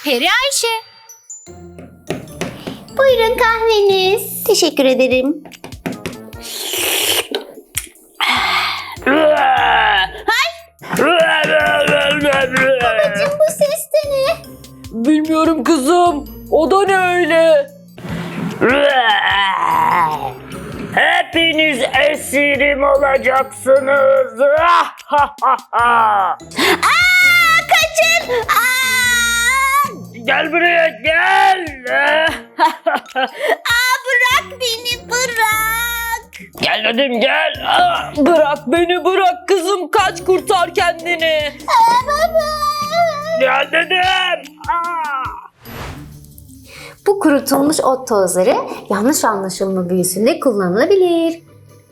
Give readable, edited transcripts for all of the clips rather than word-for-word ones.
Peri Ayşe. Buyurun kahveniz. Teşekkür ederim. Babacığım bu ses de ne? Bilmiyorum kızım. O da ne öyle? Hepiniz esirim olacaksınız. Kaçın! Gel buraya gel. Bırak beni, bırak. Gel dedim gel. Bırak beni bırak kızım. Kaç kurtar kendini. Baba. Gel dedim. Bu kurutulmuş ot tozları yanlış anlaşılma büyüsünde kullanılabilir.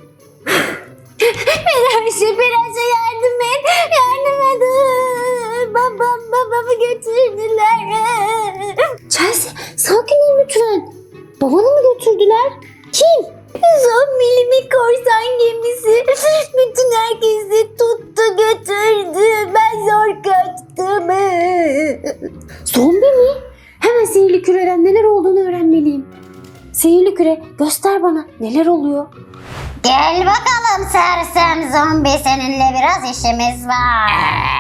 Peraşe yardım et. Yardım et. Babamı götürdüler. Chelsea sakin ol lütfen. Babanı mı götürdüler? Kim? Zombili bir korsan gemisi. Bütün herkesi tuttu götürdü. Ben zor kaçtım. Zombi mi? Hemen sihirli küreden neler olduğunu öğrenmeliyim. Sihirli küre göster bana neler oluyor. Gel bakalım sersem zombi, seninle biraz işimiz var.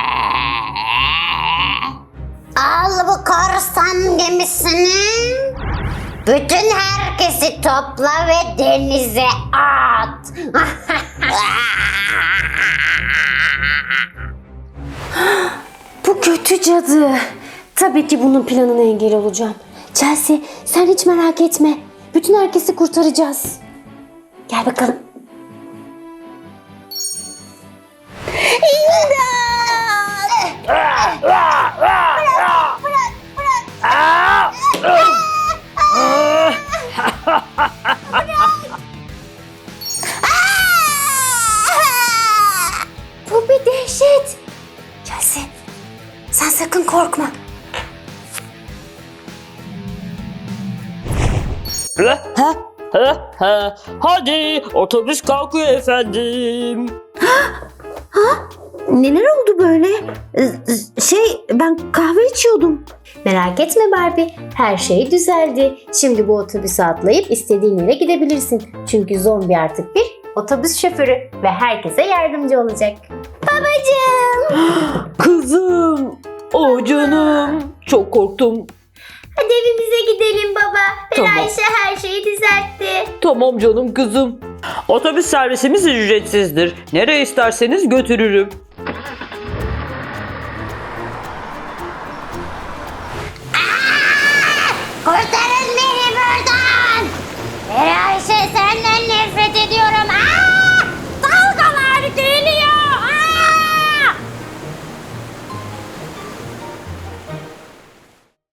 Al bu korsan gemisini. Bütün herkesi topla ve denize at. Bu kötü cadı. Tabii ki bunun planına engel olacağım. Chelsea sen hiç merak etme. Bütün herkesi kurtaracağız. Gel bakalım. Bu bir dehşet. Chelsea sen sakın korkma. Hadi otobüs kalkıyor efendim. Neler oldu böyle? Ben kahve içiyordum. Merak etme Barbie. Her şey düzeldi. Şimdi bu otobüse atlayıp istediğin yere gidebilirsin. Çünkü zombi artık bir otobüs şoförü ve herkese yardımcı olacak. Babacığım. Kızım. Oh canım. Çok korktum. Hadi evimize gidelim baba. Tamam. Ayşe her şeyi düzeltti. Tamam canım kızım. Otobüs servisimiz ücretsizdir. Nereye isterseniz götürürüm.